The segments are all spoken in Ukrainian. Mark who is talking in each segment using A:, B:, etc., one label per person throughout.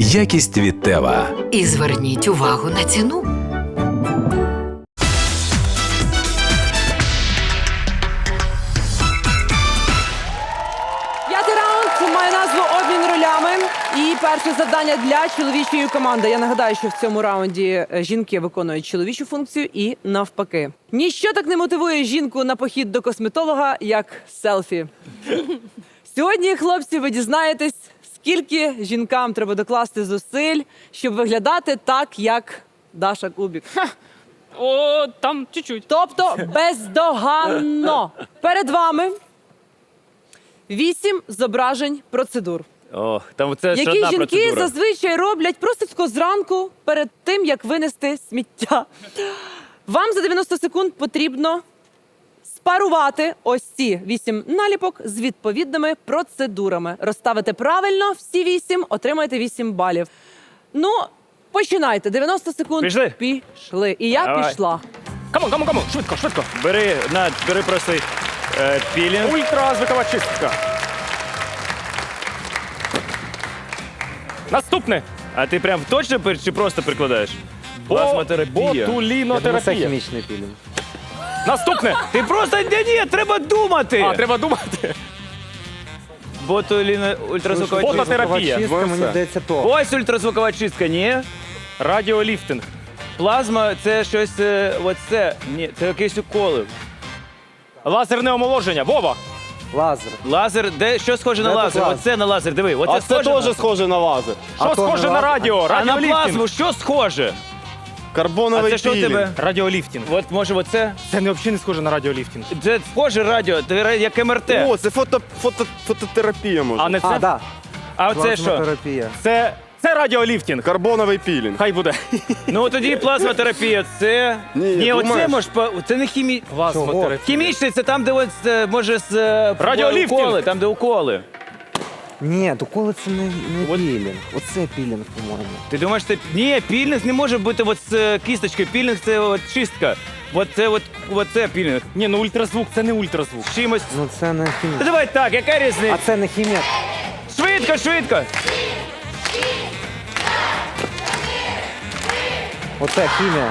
A: Якість від Тева.
B: І зверніть увагу на ціну.
C: П'ятий раунд має назву «Обмін ролями». І перше завдання для чоловічої команди. Я нагадаю, що в цьому раунді жінки виконують чоловічу функцію і навпаки. Ніщо так не мотивує жінку на похід до косметолога, як селфі. Сьогодні, хлопці, ви дізнаєтесь, скільки жінкам треба докласти зусиль, щоб виглядати так, як Даша Кубік.
D: О, там чуть-чуть.
C: Тобто бездоганно. Перед вами 8 зображень процедур,
D: О, там це ж
C: які
D: одна
C: жінки
D: процедура.
C: зазвичай роблять просто тако зранку перед тим, як винести сміття. Вам за 90 секунд потрібно спарувати ось ці 8 наліпок з відповідними процедурами. Розставити правильно всі 8, отримаєте 8 балів. Ну, починайте. 90 секунд.
D: Пішли?
C: Пішли. І я
D: Давай.
C: пішла.
D: Кому, швидко. Бери просто пілінг.
E: Ультразвукова чистка. Наступне.
D: А ти прям точно чи просто прикладаєш? Плазмотерапія.
E: Ботулінотерапія.
F: Хімічний пілінг.
E: Наступне.
D: Ти просто ні, треба думати.
E: А, треба думати.
D: Ультразвукова чистка.
E: Бототерапія.
F: Чистка, мені здається, то.
D: Ось ультразвукова чистка, ні?
E: Радіоліфтинг.
D: Плазма це щось, оце, ні, це якісь уколи.
E: Лазерне омоложення. Вова.
F: Лазер.
D: Лазер, що схоже на
F: Де
D: лазер?
F: тут лазер?
D: Оце на лазер, диви. Оце
G: А це
D: схоже
G: теж схоже на лазер.
E: Що
F: то
E: схоже
F: не
E: на
F: лазер?
E: радіо?
D: А на
E: Радіоліфтинг.
D: плазму що схоже? А
G: Карбоновий
D: це що у
G: пілінг.
D: тебе?
E: Радіоліфтинг.
D: От може оце?
E: Це не взагалі не схоже на радіоліфтинг.
D: Це схоже радіо, як МРТ.
G: О, це фототерапія може.
E: А не це?
F: А, да.
D: А оце що?
F: Плазмотерапія.
E: Це радіоліфтинг.
G: Карбоновий пілінг.
E: Хай буде.
D: Ну тоді плазмотерапія, це...
G: Ні,
D: оце
G: думаєш?
D: може, це не
E: Плазмотерапія.
D: Хімічний, це там, де от, може з...
E: Радіоліфтинг.
D: уколи, там, де уколи.
F: Ні, доколи це не пілінг. Оце пілінг, по-моєму.
D: Ти думаєш, ні, пілінг не може бути от з кісточкою, пілінг це от чистка. Оце пілінг.
E: Ні, ну ультразвук, це не ультразвук.
D: З чимось.
F: Ну це не
D: Та
F: хімія.
D: давай так, яка різниця?
F: А це не хімія.
D: Швидко.
F: Оце хімія.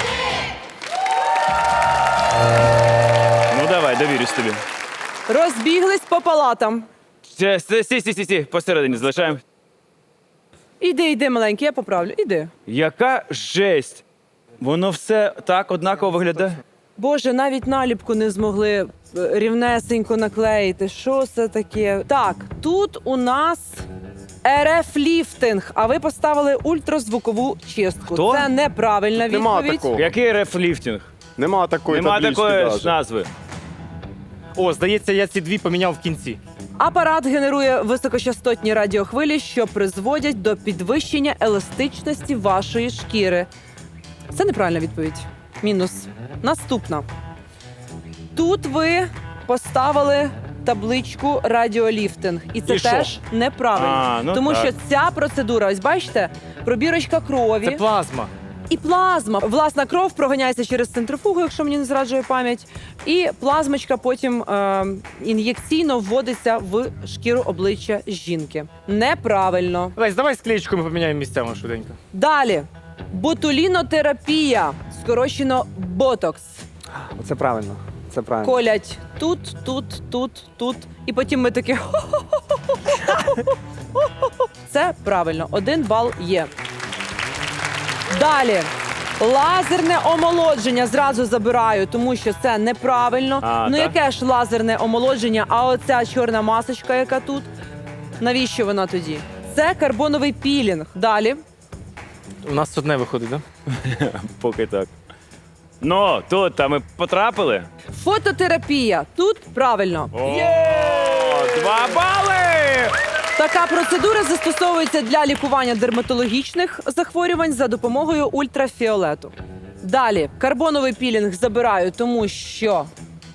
D: Ну давай, довірюсь тобі.
C: Розбіглись по палатам.
D: Сі, посередині залишаємо.
C: Іди, маленький, я поправлю. Іди.
D: Яка жесть. Воно все так однаково виглядає.
C: Боже, навіть наліпку не змогли рівнесенько наклеїти. Що це таке? Так, тут у нас РФ-ліфтинг, а ви поставили ультразвукову чистку.
D: Хто?
C: Це неправильна
G: Нема
C: відповідь.
G: такого.
D: Який рефліфтинг?
G: Нема такої
D: Нема
G: таблички
D: такої
G: даже.
D: ж назви.
E: О, здається, я ці дві поміняв в кінці.
C: Апарат генерує високочастотні радіохвилі, що призводять до підвищення еластичності вашої шкіри. Це неправильна відповідь. Мінус. Наступна. Тут ви поставили табличку радіоліфтинг. І це
E: І що?
C: теж неправильно.
D: А, ну
C: тому
D: так.
C: що ця процедура, ось бачите, пробірочка крові
E: Це плазма.
C: і плазма. Власна кров проганяється через центрифугу, якщо мені не зраджує пам'ять. І плазмочка потім ін'єкційно вводиться в шкіру обличчя жінки. Неправильно.
E: Лесь, давай склеєчку ми поміняємо місцями швиденько.
C: Далі. Ботулінотерапія, скорочено ботокс.
F: Оце правильно. Це правильно.
C: Колять тут. І потім ми такі. Це правильно. 1 бал є. Далі. Лазерне омолодження зразу забираю, тому що це неправильно.
D: Ну
C: яке ж лазерне омолодження, а оця чорна масочка, яка тут, навіщо вона тоді? Це карбоновий пілінг. Далі.
E: У нас одне виходить, так?
D: Поки так. Ну, тут ми потрапили.
C: Фототерапія. Тут правильно.
D: Є! 2 бали!
C: Така процедура застосовується для лікування дерматологічних захворювань за допомогою ультрафіолету. Далі, карбоновий пілінг забираю, тому що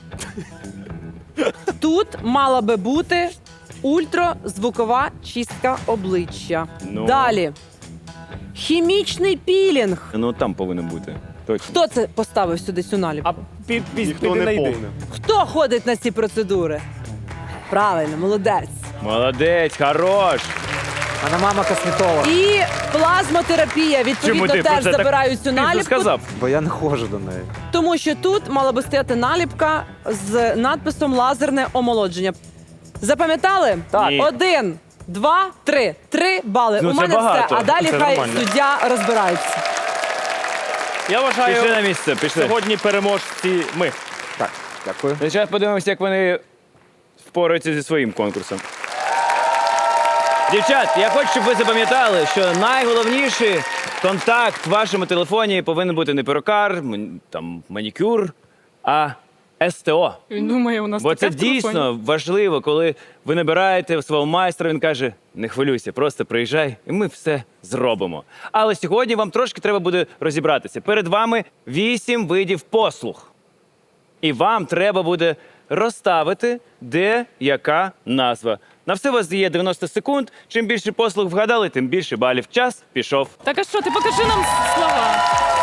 C: тут мала би бути ультразвукова чистка обличчя.
D: Ну.
C: Далі, хімічний пілінг.
D: Ну там повинен бути. Точно.
C: Хто це поставив сюди цю наліпку?
E: А
G: Ніхто не
E: найди.
G: повний.
C: Хто ходить на ці процедури? Правильно, молодець.
D: Молодець, хорош.
F: Вона мама косметолог.
C: І плазмотерапія, відповідно,
D: Чому ти про
C: теж
D: це так
C: забирають цю
D: пізно
C: наліпку.
D: сказав?
F: Бо я не ходжу до неї.
C: Тому що тут мала би стояти наліпка з надписом «Лазерне омолодження». Запам'ятали?
D: Так. Ні.
C: 1, 2, 3. 3 бали.
D: Ну,
C: У
D: це
C: мене
D: багато.
C: все, а далі
E: Це
C: хай
E: нормально.
C: суддя розбирається.
E: Я вважаю,
D: Пішли на місце, пішли.
E: сьогодні переможці ми.
F: Так, дякую.
D: Зараз подивимося, як вони впораються зі своїм конкурсом. Дівчат, я хочу, щоб ви запам'ятали, що найголовніший контакт в вашому телефоні повинен бути не перукар, там, манікюр, а СТО.
A: Він думає, у нас
D: Бо
A: таке
D: це
A: в телефоні.
D: дійсно важливо, коли ви набираєте свого майстра, він каже, не хвилюйся, просто приїжджай, і ми все зробимо. Але сьогодні вам трошки треба буде розібратися. Перед вами 8 видів послуг. І вам треба буде розставити, де яка назва. На все у вас є 90 секунд. Чим більше послуг вгадали, тим більше балів. Час пішов.
A: Так а що, ти покажи нам слова.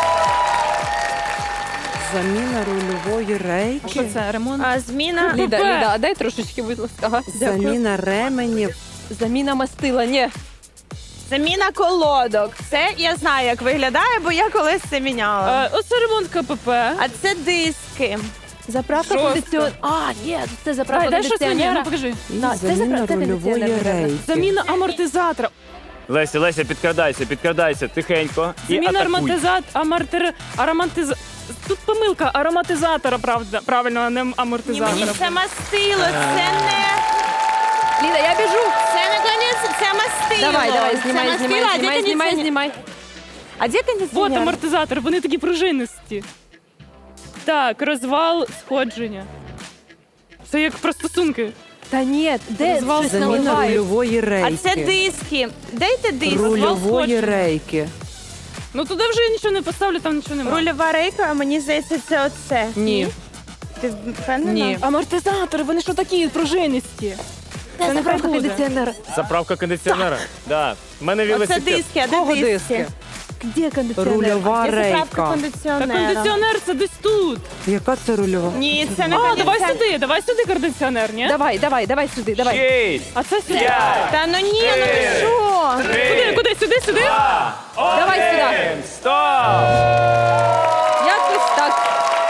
C: Заміна рульової рейки.
A: Що це, ремонт?
H: Зміна.
A: Ліда,
H: а дай трошечки, будь ласка. Ага,
C: Заміна ременів.
H: Заміна мастила, ні. Заміна колодок. Це я знаю, як виглядає, бо я колись це міняла.
A: Оце ремонт КПП.
H: А це диски. Заправка
A: Жорстко.
H: кондиціонера. Ні, це заправка
A: Дай щось мені, ну
H: кондиціонера.
A: покажи.
H: Це
C: Заміна
H: заправка
C: рульової
H: кондиціонера.
C: рейки.
A: Заміна амортизатора.
D: Леся, підкрадайся, тихенько. І
A: Заміна
D: атакуй.
A: Тут помилка, ароматизатора, правильно, а не амортизатора.
H: Ні, це мастило, це не... Ліда, я біжу. Це не конець, це мастило.
I: Давай,
H: Це мастило, а де
I: знімай.
H: А де
A: Вот
H: кондиціонер?
A: амортизатор, вони такі пружинисті. Так, розвал сходження. Це як про стосунки.
H: Та ні, де
A: Розвал
H: щось
C: Заміна
H: наливають?
C: рульової
H: А
C: рейки.
H: це диски. Дайте диски.
C: Рульової
A: сходження.
C: рейки.
A: Ну туди вже я нічого не поставлю, там нічого немає.
H: Рульова рейка, а мені здається, це оце.
C: Ні.
H: Ти впевнена?
C: Ні.
A: Амортизатори, вони що такі пружинисті? Це не
H: заправка
A: буде.
H: кондиціонера.
E: Заправка кондиціонера. Да. У мене
H: Оце
E: велосипед.
H: диски, а де
C: Кого
H: диски?
C: диски?
H: Де кондиціонер?
C: Рульова
H: Де заправка
C: рейка.
A: Та
H: кондиціонера?
A: кондиціонер це десь тут.
C: Яка це рульова?
H: Ні, це не
A: А,
H: кондиціонер.
A: давай сюди кондиціонер, ні?
I: Давай сюди,
D: 6,
A: А це сюди.
D: 5,
H: Та ну ні, ну ви що?
D: 3,
A: Куди? Сюди?
I: Давай сюди.
D: Стоп!
I: Якось так.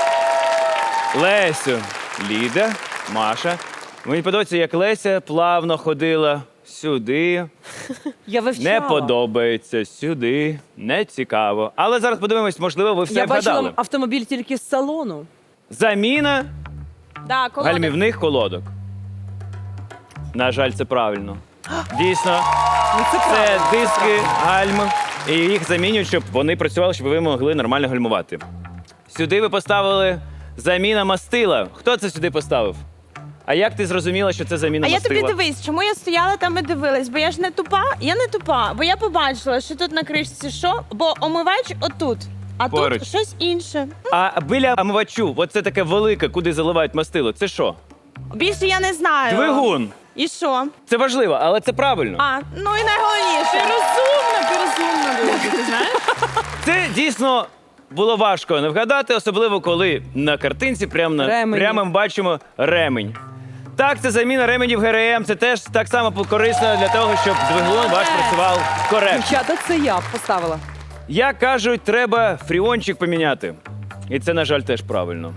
D: Лесю, Ліда, Маша. Мені подобається, як Леся плавно ходила сюди.
C: Я вивчала.
D: Не подобається сюди, не цікаво. Але зараз подивимось, можливо, ви все
C: Я
D: вгадали.
C: бачила автомобіль тільки з салону.
D: Заміна
H: Да, колодок.
D: гальмівних колодок. На жаль, це правильно. Дійсно, це диски гальм, і їх замінюють, щоб вони працювали, щоб ви могли нормально гальмувати. Сюди ви поставили заміна мастила. Хто це сюди поставив? А як ти зрозуміла, що це заміна
H: А я
D: мастила?
H: тобі дивись, чому я стояла там і дивилась? Бо я ж не тупа, бо я побачила, що тут на кришці що, бо омивач отут, а
D: Поруч.
H: тут щось інше.
D: А біля омивачу, оце таке велике, куди заливають мастило, це що?
H: Більше я не знаю.
D: Двигун.
H: І що?
D: Це важливо, але це правильно.
H: А, ну і найголовніше.
A: Ти розумна була, ти знаєш?
D: Це дійсно було важко не вгадати, особливо коли на картинці
C: Ремені.
D: прямо ми бачимо ремень. Так, це заміна ременів ГРМ, це теж так само корисно для того, щоб двигун ваш працював коректно.
C: Дівчата, це я поставила.
D: Як кажуть, треба фріончик поміняти. І це, на жаль, теж правильно.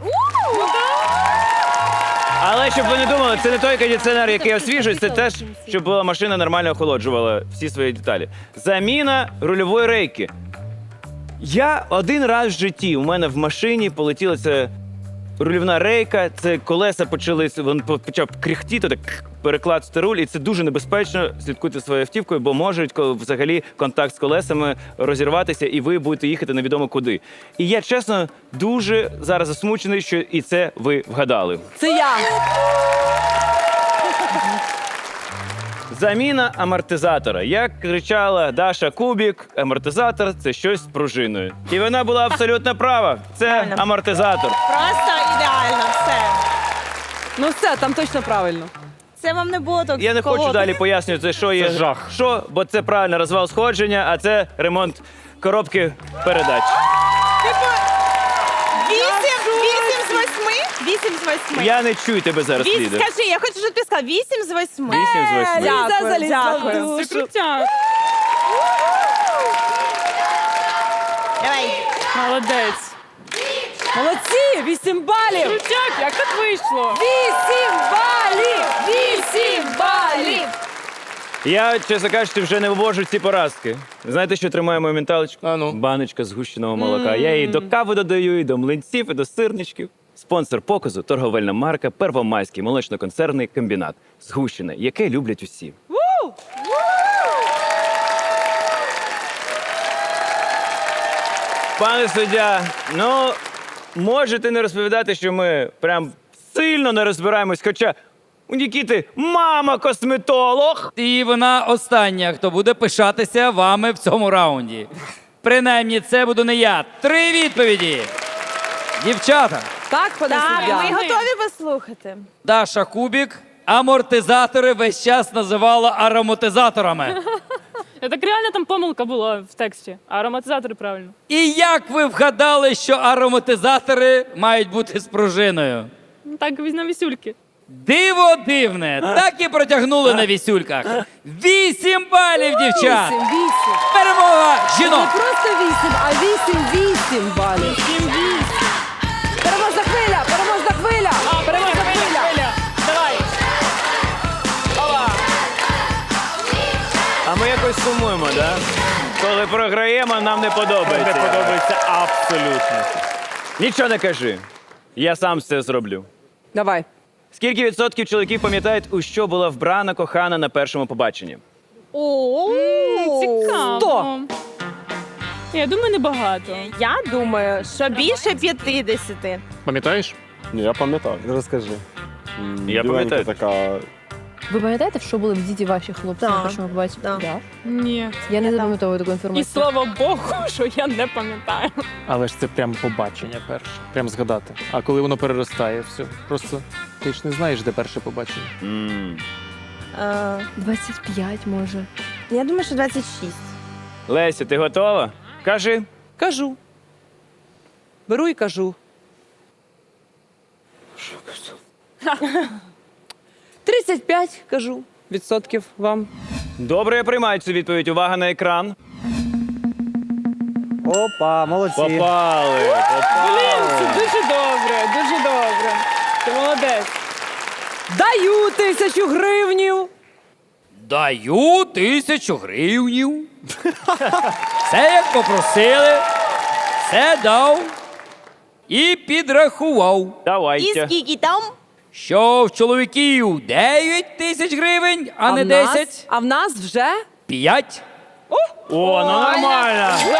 D: Але щоб ви не думали, це не той кондиціонер, який освіжується, це теж, щоб була машина нормально охолоджувала всі свої деталі. Заміна рульової рейки. Я один раз в житті у мене в машині полетіла ця рульовна рейка, це колеса почали, він почав кряхтіти, так перекладати руль, і це дуже небезпечно. Слідкуйте за своєю автівкою, бо можуть взагалі контакт з колесами розірватися, і ви будете їхати невідомо куди. І я, чесно, дуже зараз засмучений, що і це ви вгадали.
C: Це я.
D: Заміна амортизатора. Як кричала Даша Кубік, амортизатор – це щось з пружиною. І вона була абсолютно права. Це амортизатор.
H: Просто ідеально, все.
C: Ну все, там точно правильно.
H: Це вам не було так.
D: Я не хочу далі пояснювати, що є
E: Це жах.
D: що, бо це правильно розвал сходження, а це ремонт коробки передач.
H: Типу, 8 з 8? 8 з 8.
D: Я не чую тебе зараз, лідер.
H: Скажи, я хочу, щоб ти сказав 8 з 8.
D: 8 з 8.
H: Дякую, дякую.
A: Це крутяк.
H: Давай.
A: Молодець.
C: Молодці! 8 балів!
A: Крутяк, як так вийшло?
C: 8 балів! 8 балів!
D: Я, чесно кажучи, вже не вивожу ці поразки. Знаєте, що тримає мою менталочку?
E: А ну.
D: Баночка згущеного молока. Я її до кави додаю, і до млинців, і до сирничків. Спонсор показу – торговельна марка Первомайський молочно-концерний комбінат. Згущене, яке люблять усі. Пане суддя, ну, можете не розповідати, що ми прям сильно не розбираємось, хоча у Нікіти мама косметолог.
J: І вона остання, хто буде пишатися вами в цьому раунді. Принаймні, це буду не я. 3 відповіді. Дівчата,
C: Так, пане
H: Так,
C: суддя?
H: ми готові послухати.
J: Даша Кубік амортизатори весь час називала ароматизаторами.
A: Так реально там помилка була в тексті. А ароматизатори правильно.
J: І як ви вгадали, що ароматизатори мають бути з пружиною?
A: Ну, так, на вісюльки.
J: Диво дивне, так і протягнули на вісюльках. 8 балів, дівчат!
C: 8.
J: Перемога
C: Не
J: жінок!
C: просто 8, а 8 балів.
A: 7-8.
C: Переможна хвиля! Переможна хвиля! Переможна хвиля!
A: Давай.
D: А ми якось сумуємо, так? Да? Коли програємо, нам не подобається.
E: Не подобається абсолютно.
D: Нічого не кажи. Я сам все зроблю.
C: Давай.
D: Скільки відсотків чоловіків пам'ятають, у що була вбрана кохана на першому побаченні?
A: Цікаво.
C: 100.
A: Я думаю, небагато.
H: Я думаю, що більше 50.
E: Пам'ятаєш?
G: Ні, я пам'ятаю.
F: Розкажи.
D: Я
G: Біленька
D: пам'ятаю.
G: така.
I: Ви пам'ятаєте, в що були вдіті ваші хлопці
H: Так,
I: на першому побаченні?
H: так.
I: Да.
A: Ні.
I: Я не запам'ятовую таку
A: І
I: інформацію.
A: слава Богу, що я не пам'ятаю.
E: Але ж це прям побачення перше. Прям згадати. А коли воно переростає, все. Просто ти ж не знаєш, де перше побачення.
I: 25, може.
H: Я думаю, що 26.
D: Леся, ти готова? Кажи.
C: Кажу. Беру і кажу. 35, кажу, відсотків вам.
D: Добре, я приймаю цю відповідь. Увага на екран.
F: Опа, молодці.
D: Попали.
A: Блін, це дуже добре, дуже добре. Ти молодець.
C: Даю 1000 гривнів.
J: Даю 1000 гривнів. Все як попросили, все дав і підрахував,
H: І
D: Давайте.
H: скільки там?
J: що в чоловіків 9 тисяч гривень, а не
C: в нас-
J: 10.
C: А в нас вже
J: 5.
D: О, ну нормально.